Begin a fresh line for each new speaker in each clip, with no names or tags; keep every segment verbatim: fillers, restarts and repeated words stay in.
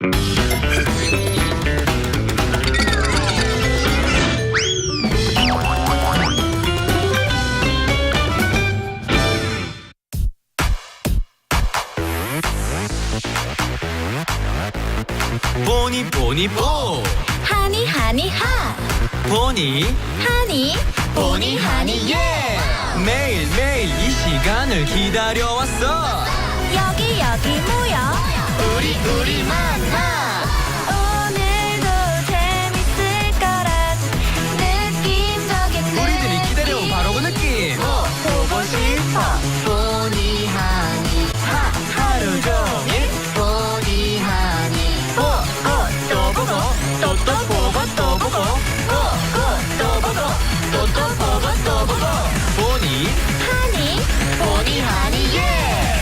보니 보니 보
하니 하니 하
보니
하니
보니 하니 예 매일 매일 이 시간을 기다려왔어
여기 여기 모여
우리 우리 만나
오늘도 재밌을 거란 느낌적인
우리들이
느낌.
기다려온 바로 그 느낌 보고 싶어 보니 하니 하 하루 종일 보니 하니 보고 또 보고 또 또 보고 또 보고 보고 또 보고 또 또 보고 또 보고 보니
하니
보니 하니 예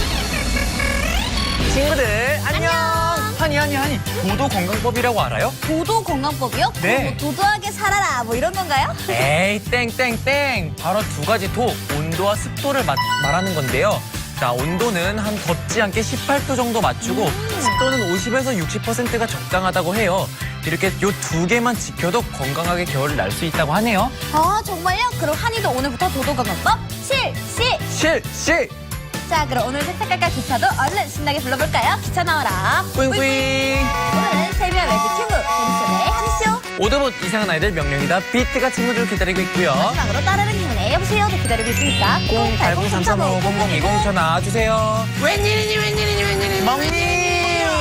친구들 안녕 하니 하니 하니 도도 건강법이라고 알아요?
도도 건강법이요?
네.
뭐 도도하게 살아라 뭐 이런 건가요?
에이 땡땡땡 바로 두 가지 도 온도와 습도를 마, 말하는 건데요 자 온도는 한 덥지 않게 십팔 도 정도 맞추고
음.
습도는 오십에서 육십 퍼센트가 적당하다고 해요 이렇게 요 두 개만 지켜도 건강하게 겨울을 날 수 있다고 하네요
아 정말요? 그럼 한이도 오늘부터 도도 건강법 실시!
실시
자 그럼 오늘 색색깔깔 기차도 얼른 신나게 불러볼까요? 기차 나와라
뿌잉뿌잉
오늘은 세미와 매직 큐브 봄소의 한쇼
오도봇 이상한 아이들 명령이다 비트가 친구들을 기다리고 있고요
마지막으로 따르는 기분에 여보세요도 기다리고 있으니까
공팔공 삼삼오 공공이공 전화 주세요
웬일이니 웬일이니 웬일이니
멍니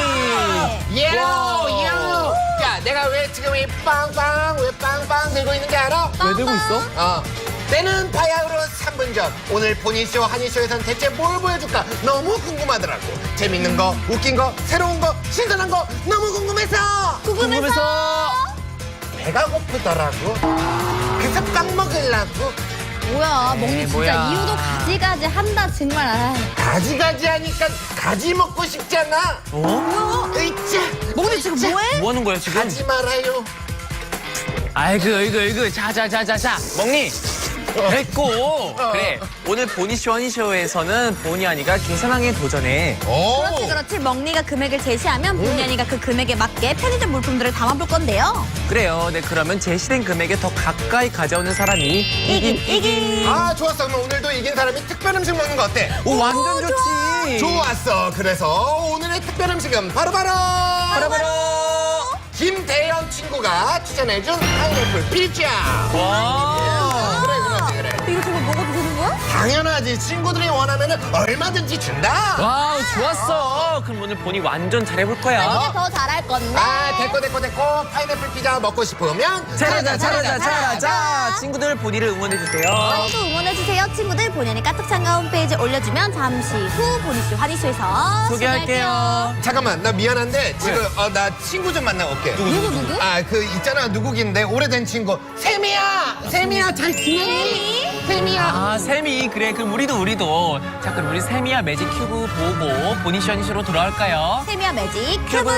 예로 예로 야 내가 왜 지금 이 빵빵 왜 빵빵 들고 있는 게 알아?
왜 들고 있어?
어 때는 바야흐로 삼 분 전 오늘 보니쇼 한이쇼에선 대체 뭘 보여줄까 너무 궁금하더라고 재밌는 거 웃긴 거 새로운 거 신선한 거 너무 궁금해서
궁금해서
배가 고프더라고 그래서 빵 먹으려고
뭐야 멍니 진짜
뭐야.
이유도 가지가지 한다 정말 아.
가지가지 하니까 가지 먹고 싶잖아
어?
으이짜
멍니 지금 뭐해?
뭐 하는 거야 지금?
가지 말아요
아이고 이거 이거 자자자자자 먹니 됐고 그래 오늘 보니쇼 허니쇼에서는 보니 아니가 계산왕에 도전해
그렇지 그렇지 멍니가 금액을 제시하면 본의 아니가 그 금액에 맞게 편의점 물품들을 담아볼 건데요
그래요 네 그러면 제시된 금액에 더 가까이 가져오는 사람이
이긴 이긴
아 좋았어 그럼 오늘도 이긴 사람이 특별 음식 먹는 거 어때?
오 완전 좋지
좋았어 그래서 오늘의 특별 음식은 바로바로
바로바로
김대현 친구가 추천해준 파인애플 피자
와
그래 그렇지 그래
이거 정말 먹어도 되는 거야?
당연하지 친구들이 원하면 얼마든지 준다
와우 좋았어 그럼 오늘 보니 완전 잘해볼
이게
거야
더 잘할 건데
아 됐고 됐고 됐고 파인애플 피자 먹고 싶으면
잘하자 잘하자 잘하자 친구들 보니를 응원해주세요
많이도 응원해주세요 친구들 본의 아니 카톡 참가 홈페이지에 올려주면 잠시 후 보니쇼 환희쇼에서
소개할게요
잠깐만 나 미안한데 지금 어, 나 친구 좀 만나고 올게
누구 누구?
아 그 있잖아 누구긴데 오래된 친구 세미야 세미야 잘 지내니? 세미야
아 세미 그래 그럼 우리도 우리도 자 그럼 우리 세미야 매직 큐브 보고 보니쇼 허니쇼로 돌아올까요?
세미와 매직 큐브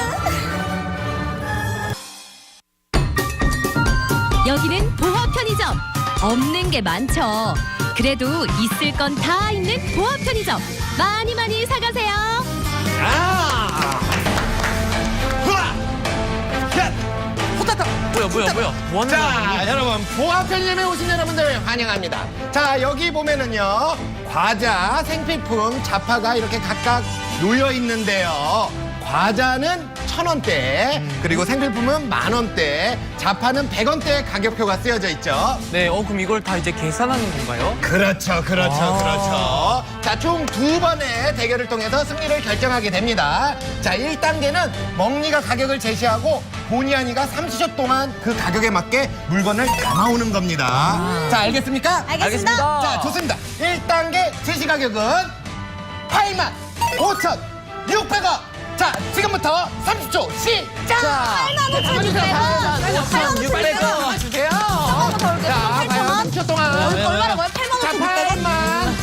여기는 보화 편의점. 없는 게 많죠. 그래도 있을 건 다 있는 보화 편의점. 많이 많이 사가세요.
아! 후아! 야!
호타타 뭐야 뭐야 뭐야 뭐 하는
자,
거야
여러분 보아 편의점에 오신 여러분들 환영합니다. 자, 여기 보면은요. 과자, 생필품, 자파가 이렇게 각각 놓여 있는데요. 과자는 천 원대, 그리고 생필품은 만 원대, 자파는 백 원대 가격표가 쓰여져 있죠.
네, 어 그럼 이걸 다 이제 계산하는 건가요?
그렇죠, 그렇죠,
아.
그렇죠. 자, 총 두 번의 대결을 통해서 승리를 결정하게 됩니다. 자, 일 단계는 멍니가 가격을 제시하고 보니아니가 삼십 초 동안 그 가격에 맞게 물건을 담아오는 겁니다. 자, 알겠습니까?
알겠습니다.
자, 좋습니다. 일 단계 제시 가격은 팔만 오천육백 원. 자, 지금부터 삼십 초 시작!
팔만 오천육백 원
오천육백 원
주세요.
한번 더 올게요.
자,
팔천
과연
원.
삼십 초 동안.
얼마나 거야? 팔만
자,
오천육백 원
팔만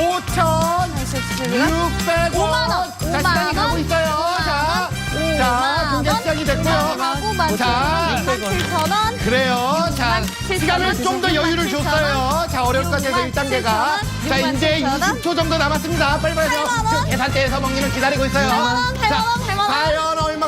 오천육백 원.
오만 원,
자,
오만
시간이 가고
원,
있어요.
오만
자,
원,
자,
오만
경제
원,
시작이 됐고요.
하고 만
자,
칠천 원.
그래요. 자,
칠천
시간을
원,
좀 더 여유를
칠천
줬어요. 자, 어려울 것 같아서 일 단계가. 자, 이제
육만 칠천 원.
이십 초 정도 남았습니다. 빨리빨리
팔만 원.
하세요. 계산대에서 먹기는 기다리고 있어요.
팔만 원, 팔만
자,
원, 팔만 원.
과연 얼마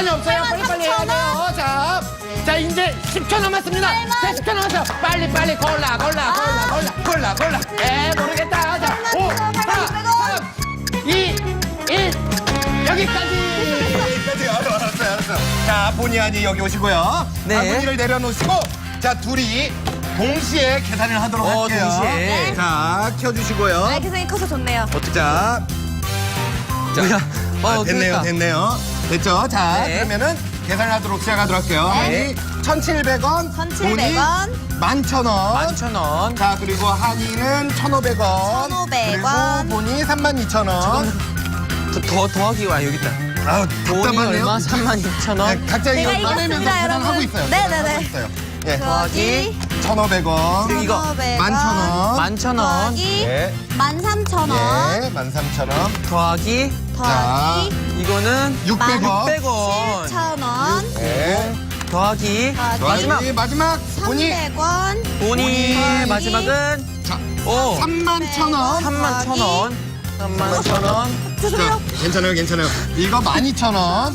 없어요.
팔만
빨리빨리 해야
삼천
돼요. 자, 자 이제 십 초 남았습니다. 자, 십 초 남았어요. 빨리 빨리 골라 골라 골라 골라 골라 골라. 에 모르겠다. 자, 오, 사, 삼, 이, 일 여기까지. 여기까지. 알았어, 알았어요, 알았어요. 자, 본의 아니 여기 오시고요.
네.
바구니를 내려놓으시고, 자 둘이 동시에 계산을 하도록
어,
할게요.
동시에.
네.
자, 켜주시고요.
아, 계산이 커서 좋네요.
자, 자,
뭐야?
아,
어,
됐네요,
그러니까.
됐네요. 됐죠? 자,
네.
그러면은 계산하도록 시작하도록 할게요.
네.
한이 천칠백 원,
천칠백 원.
만 천 원.
만천 원.
자, 그리고 한이는 천오백 원.
천오백 원.
그리고 본이 삼만 이천 원.
더, 더 더하기 와 여기 있다.
아,
돈이
답답하네요.
얼마? 삼만 이천 원.
네, 각자 이거
제가
꺼내면서
이겼습니다,
계산하고
여러분.
있어요.
네네네.
계산하고 있어요. 예.
더하기
천오백 원.
그리고 이거
천오백 원.
만 천 원.
만천 원.
더하기
예.
만 삼천 원.
예, 만 삼천 원.
더하기
더하기
이거는
육백 원.
육백 원.
칠천 원.
예.
더하기
더하기
마지막
마지막 본이
삼백 원.
돈이
더하기
마지막은
자,
오
삼만 천 원.
삼만 천 원. 삼만 천 원.
죄송해요.
자, 괜찮아요, 괜찮아요. 이거 만 이천 원.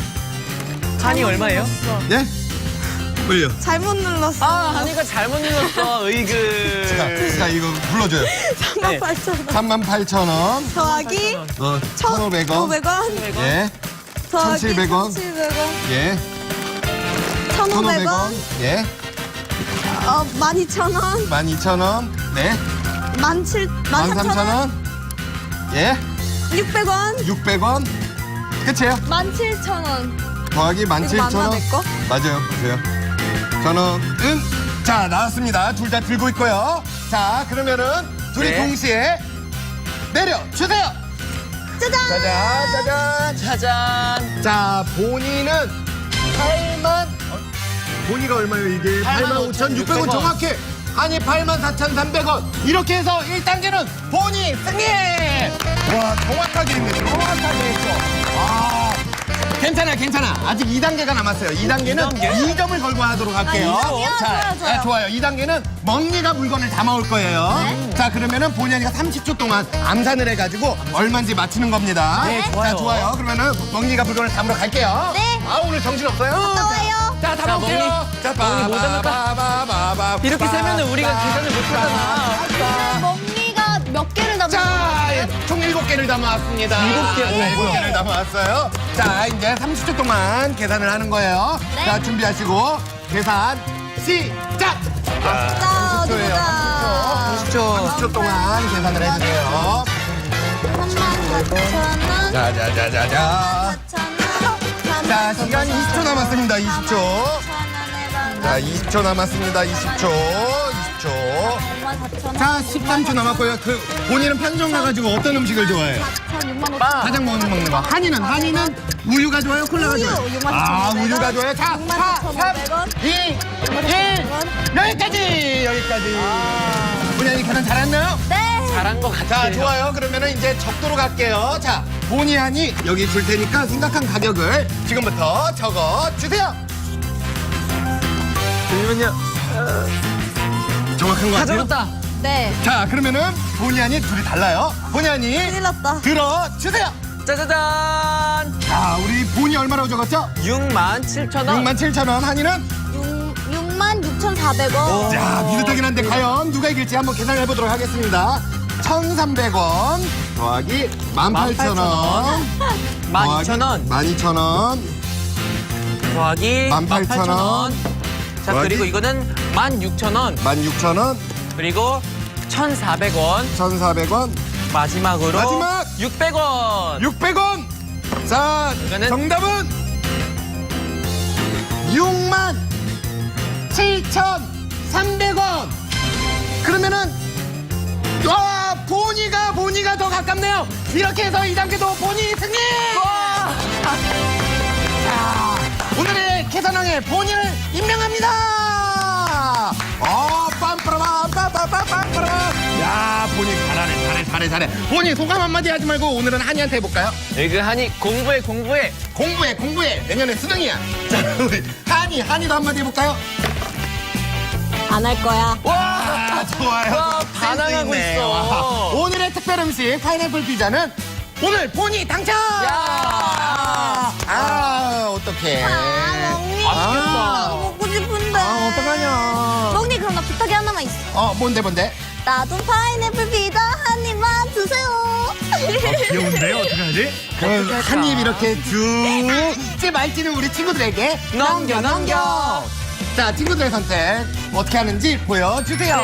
한이 얼마예요?
예? 올려.
잘못 눌렀어.
아 한이가 잘못 눌렀어. 으이그.
자, 자, 이거 불러줘요.
네.
팔천 원.
삼만 팔천 원.
더하기
어, 천오백 원.
오백 원.
예.
더하기
천칠백 원.
천칠백 원.
예.
천오백
천오백 원.
원.
예.
어, 만 이천 원.
만 이천 원. 네.
만 칠,
만
만
삼천
삼천 원.
원. 예.
육백 원.
육백 원. 끝이에요.
만 칠천 원.
더하기 만
이거
칠천
맞나,
원.
내 거?
맞아요. 보세요. 전원은 자, 나왔습니다. 둘 다 들고 있고요. 자, 그러면은 둘이
네.
동시에 내려 주세요.
짜잔.
짜잔, 짜잔.
짜잔.
자, 본이는 팔만 어, 본이가 얼마예요, 이게? 팔만 오천육백 원 정확히. 아니, 팔만 사천삼백 원. 이렇게 해서 일 단계는 본이 승리! 와, 정확하게 했네. 정확하게 했어. 아, 괜찮아, 괜찮아. 아직 이 단계가 남았어요. 이 단계는
이 단계?
이 점을 걸고 하도록 할게요.
아, 이 점이요?
자,
좋아요, 좋아요.
아, 좋아요. 이 단계는 멍니가 물건을 담아올 거예요.
네.
자, 그러면은 본연이가 삼십 초 동안 암산을 해가지고 얼마인지 맞추는 겁니다.
네, 좋아요.
자, 좋아요. 그러면은 멍니가 물건을 담으러 갔게요.
네.
아, 오늘 정신 없어요.
갔다 와요.
자,
자,
담아올게요.
멍니.
자,
멍니 뭐 담을까?
바바바바바.
이렇게 세면은 우리가 계산을 못 하잖아.
멍니가 몇 개를 담은
자, 예, 총 일곱 개를 담아왔습니다.
일곱 개?
네,
오,
일곱
뭐야.
개를 담아왔어요. 자, 이제 삼십 초 동안 계산을 하는 거예요.
네.
자, 준비하시고 계산 시작!
자, 어디
초예요.
보자.
삼십 초.
삼십 초 동안 계산을 해주세요.
삼만 사천 원.
자, 자, 자, 자, 자.
사천 원.
자, 시간 이십 초 남았습니다. 이십 초. 자, 이십 초 남았습니다. 이십 초. 이십 초.
오만 사천 원.
자, 십삼 초 남았고요. 그 본인은 편의점 가가지고 어떤 음식을 좋아해요?
사천 육만 오천
빵.
가장 먹는 먹는 거. 한이는 한이는 우유가 좋아요, 콜라가
우유,
좋아요.
육만
아,
사천오백 원.
우유가 좋아요. 자,
육만
사,
사천오백 원.
삼, 이, 일. 여기까지, 여기까지. 본인이 계산 잘했나요?
네.
잘한 것
자,
같아요.
좋아요. 그러면은 이제 적도로 갈게요. 자, 본의 아니 여기 줄 테니까 생각한 가격을 지금부터 적어 주세요.
잠시만요.
정확한 거
다
같아요?
적었다.
네.
자, 그러면은 본의 아니 둘이 달라요. 본의 아니
큰일 났다.
들어 주세요.
짜자잔.
자, 우리 본이 얼마라고 적었죠?
육만 칠천 원.
육만 칠천 원. 한이는
육만 육천사백 원.
자, 비슷하긴 한데 과연 누가 이길지 한번 계산을 해보도록 하겠습니다. 천삼백 원 더하기 만 팔천 원
만 이천 원.
만 이천 원
더하기
만
만
팔천
팔천
원.
원. 자
더하기
그리고 이거는 만 육천 원.
만 육천 원
그리고 천사백 원.
천사백 원
마지막으로
마지막!
육백 원.
육백 원. 자,
이거는-
정답은 육만 칠천삼백 원. 그러면은 와, 보니가 보니가 더 가깝네요. 이렇게 해서 이 단계도 보니 승리. 자, 오늘의 계산왕의 보니를 임명합니다. 어, 빰빠라밤 빰빰빰빰빰. 야, 보니 잘하네, 잘해, 잘해, 잘해. 보니 소감 한마디 하지 말고 오늘은 한이한테 해볼까요?
에그하니 공부해 공부해.
공부해, 공부해. 내년에 수능이야. 자, 우리 한이, 한이도 한마디 해볼까요?
안 할 거야.
와, 좋아요.
와,
센스
반항하고
있네.
있어.
와, 오늘의 특별 음식 파인애플 피자는 오늘 보니 당첨!
야!
아, 어떡해. 어, 뭔데, 뭔데?
나도 파인애플 피자 한 입만 주세요.
귀여운데, 어떡하지? 그, 한입 이렇게 쭉, 찌 말찌는 우리 친구들에게 넘겨, 넘겨. 자, 친구들의 선택 어떻게 하는지 보여주세요.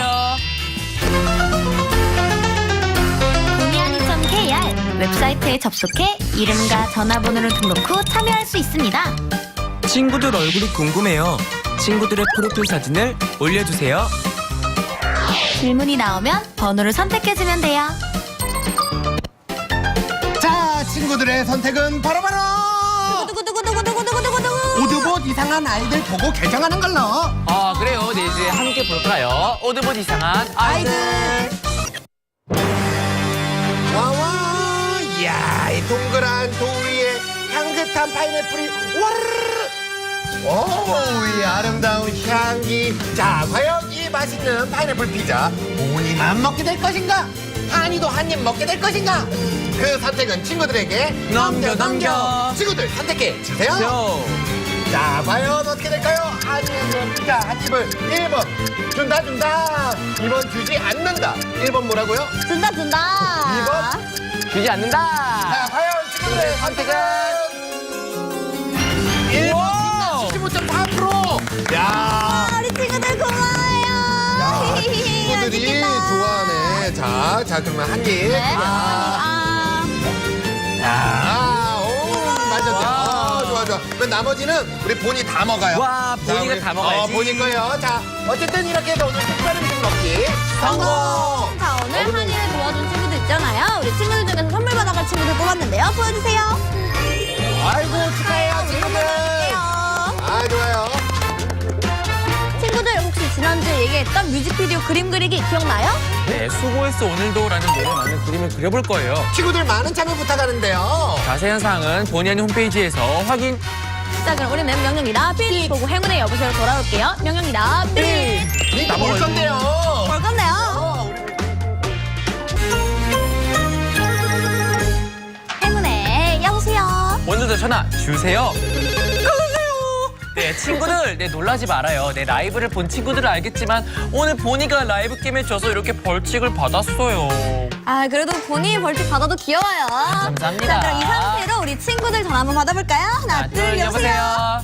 보니하니 점 케이알 웹사이트에 접속해 이름과 전화번호를 등록 후 참여할 수 있습니다.
친구들 얼굴이 궁금해요. 친구들의 프로필 사진을 올려주세요.
질문이 나오면 번호를 선택해주면 돼요.
자, 친구들의 선택은 바로바로
두구두구두구두구두구두구두구.
오드봇 이상한 아이들 보고 개정하는 걸로.
아 그래요. 네 이제 함께 볼까요? 오드봇 이상한 아이들.
와와, 이야, 이 동그란 돌 위에 향긋한 파인애플이 와르르. 오, 이 아름다운 향기. 자, 과연 이 맛있는 파인애플 피자 모니만 먹게 될 것인가? 한이도 한 입 먹게 될 것인가? 그 선택은 친구들에게
넘겨, 넘겨.
친구들 선택해 주세요.
죠.
자, 과연 어떻게 될까요? 한입은 피자 한 입을 일 번 준다 준다, 이 번 주지 않는다. 일 번 뭐라고요?
준다 준다.
이 번
주지 않는다.
자, 과연 친구들의 선택은 일 번 칠십오 점 사 퍼센트. 야,
아, 우리 친구들 고마워요.
야, 친구들이
맛있겠다.
좋아하네. 자, 자, 그러면 한 입.
네.
아,
아,
아, 오, 맞았죠. 아, 좋아, 좋아. 그럼 나머지는 우리 본이 다 먹어요.
와,
자,
본이가
우리-
다 먹어야지.
어, 본이 거요. 자, 어쨌든 이렇게 해서 오늘 특별 음식 먹기 성공.
자, 오늘 한이를 도와준 친구들 있잖아요. 우리 친구들 중에서 선물 받아갈 친구들 뽑았는데요. 보여주세요.
아이고, 축하해요, 친구들.
보여드릴게요.
아, 좋아요.
친구들 혹시 지난주에 얘기했던 뮤직비디오 그림 그리기 기억나요?
네, 수고했어 오늘도라는 노래 맞는 그림을 그려볼 거예요.
친구들 많은 참여 부탁하는데요.
자세한 사항은 본의 아닌 홈페이지에서 확인.
자, 그럼 우리는 명령이다 빛 보고 행운의 여보세요 돌아올게요. 명령이다 빛.
이거 볼 건데요.
볼 건데요.
어,
행운의 여보세요.
오늘도 전화 주세요. 네, 친구들, 네, 놀라지 말아요. 네, 라이브를 본 친구들은 알겠지만 오늘 보니가 라이브 게임에 져서 이렇게 벌칙을 받았어요.
아, 그래도 본인이 벌칙 받아도 귀여워요.
감사합니다.
자, 그럼 이 상태로 우리 친구들 전화 한번 받아볼까요? 하나,
하나,
둘, 여보세요.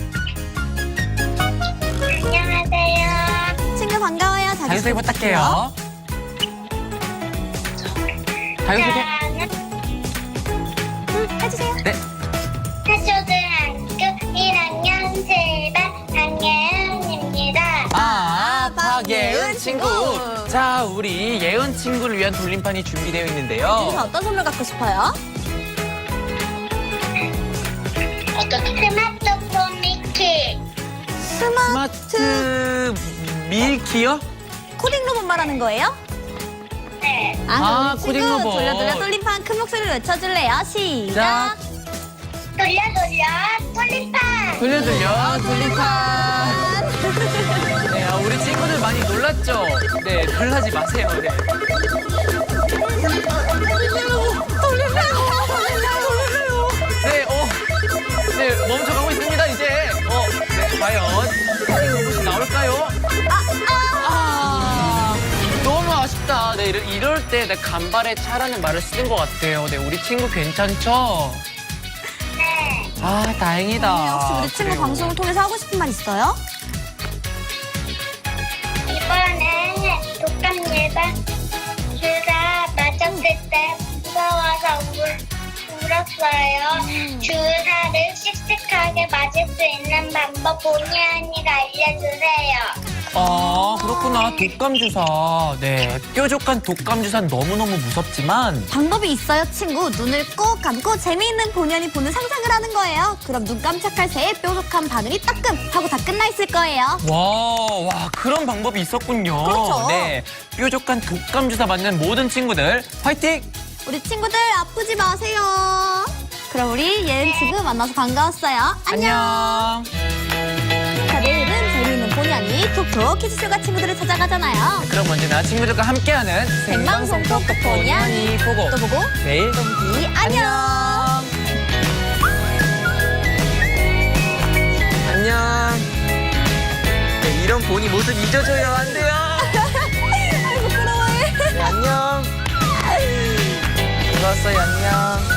안녕하세요.
친구 반가워요. 자기소개
자기소개 부탁해요. 자기소개.
저는
음, 해주세요.
네.
태초등학교 일 학년 칠 반 박예은입니다.
아,
박예은
박예은 친구.
친구.
자, 우리 예은 친구를 위한 돌림판이 준비되어
여기서
있는데요.
어떤 선물 갖고 싶어요?
스마트폰 미키.
스마트
스마트 밀키요?
코딩 로봇 말하는 거예요?
네.
아, 그럼
아,
우리
코딩
친구
로봇.
돌려 돌려 돌림판 큰 목소리로 외쳐줄래요? 시작.
자,
돌려 돌려 돌림판.
돌려 돌려 돌림판. 네, 아, 우리 친구들 많이 놀랐죠? 네, 놀라지 마세요. 네. 네, 어, 네, 멈춰가고 있습니다, 이제. 어, 네, 과연 코딩 로봇이 나올까요? 아, 너무 아쉽다. 네, 이럴, 이럴 때 내 간발의 차라는 말을 쓰는 것 같아요. 네, 우리 친구 괜찮죠?
네.
아, 다행이다.
네, 혹시 우리 친구
그래요.
방송을 통해서 하고 싶은 말 있어요?
이번에 독감 예방 주사 맞았을 때 무서워서 울, 울었어요. 주사를 씩씩하게 맞을 수 있는 방법 본의 아니가 알려주세요.
아, 그렇구나. 독감 주사. 네, 뾰족한 독감 주사는 너무너무 무섭지만
방법이 있어요, 친구. 눈을 꼭 감고 재미있는 본연이 보는 상상을 하는 거예요. 그럼 눈 깜짝할 새에 뾰족한 바늘이 따끔 하고 다 끝나 있을 거예요.
와, 와, 그런 방법이 있었군요.
그렇죠.
네, 뾰족한 독감 주사 맞는 모든 친구들 화이팅!
우리 친구들 아프지 마세요. 그럼 우리 예은 친구 만나서 반가웠어요. 안녕.
안녕.
자, 내일은 재미있는 본연이 톡톡 퀴즈쇼가 친구들을 찾아가잖아요.
그럼 언제나 친구들과 함께하는
생방송 톡톡
본의 아니 보고
또 보고
내일
이 안녕.
안녕. 네, 이런 본이 모습 잊어줘요. 안 돼요.
알았어요. 안녕.